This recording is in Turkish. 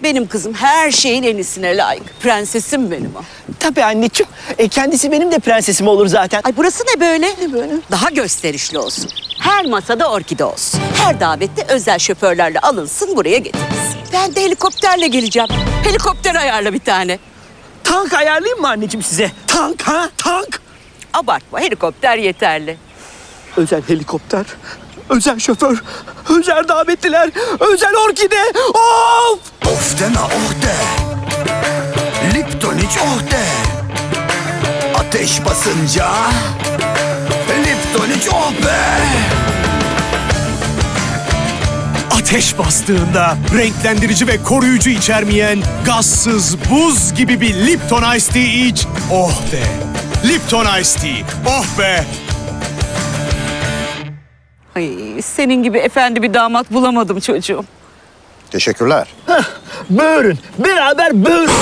Benim kızım her şeyin en iyisine layık. Prensesim benim o. Tabii anneciğim. Kendisi benim de prensesim olur zaten. Ay burası ne böyle? Ne böyle? Daha gösterişli olsun. Her masada orkide olsun. Her davette özel şoförlerle alınsın, buraya getirilsin. Ben de helikopterle geleceğim. Helikopter ayarla bir tane. Tank ayarlayayım mı anneciğim size? Tank ha? Tank. Abartma, helikopter yeterli. Özel helikopter, özel şoför, özel davetliler, özel orkide. Of! Of deme oh de. Lipton iç oh de. Ateş basınca Lipton iç oh be. Ateş bastığında renklendirici ve koruyucu içermeyen gazsız buz gibi bir Lipton Ice Tea iç. Oh be! Lipton Ice Tea. Oh be! Ay, senin gibi efendi bir damat bulamadım çocuğum. Teşekkürler. Böğürün, beraber böğürün.